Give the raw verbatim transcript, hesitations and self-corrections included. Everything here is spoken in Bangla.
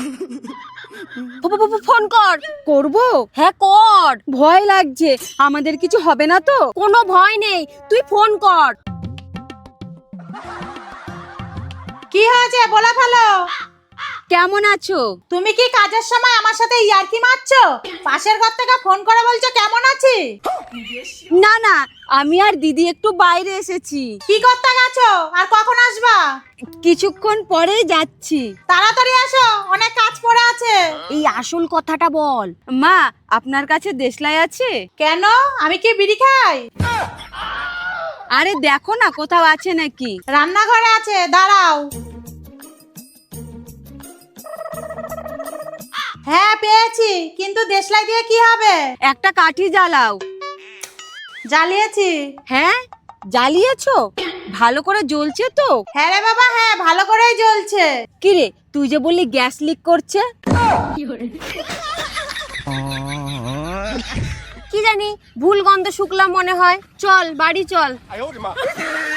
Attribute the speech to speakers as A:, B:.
A: ফোন কর।
B: করব?
A: হ্যাঁ কর।
B: ভয় লাগছে, আমাদের কিছু হবে না তো?
A: কোনো ভয় নেই, তুই ফোন কর।
C: কি হয়েছে বলে ফেলো।
B: কেমন আছো?
C: তুমি কি কাজের সময় আমার সাথে ইয়ার্কি মারছো? পাশের ঘর থেকে ফোন করে বলছো কেমন আছি?
B: না না, আমি আর দিদি একটু বাইরে এসেছি।
C: কি করতে গেছো আর কখন আসবা?
B: কিছুক্ষণ পরেই যাচ্ছি।
C: তাড়াতাড়ি আসো, অনেক কাজ পড়ে আছে।
A: এই আসল কথাটা বল।
B: মা, আপনার কাছে দেশলাই আছে?
C: কেন, আমি কি বিড়ি খাই?
B: আরে দেখো না কোথাও আছে নাকি।
C: রান্নাঘরে আছে, দাঁড়াও। হ্যাঁ পেয়েছি, কিন্তু দেশলাই দিয়ে কি হবে?
B: একটা কাঠি জ্বালাও।
C: জ্বালিয়েছি।
B: হ্যাঁ, জ্বালিয়েছো? ভালো করে জ্বলছে তো?
C: হ্যাঁ রে বাবা, হ্যাঁ ভালো করেই জ্বলছে।
B: কিরে, তুই যে বললি গ্যাস লিক করছে?
A: কি জানি, ভুল গন্ধ শুকলাম মনে হয়। চল বাড়ি চল।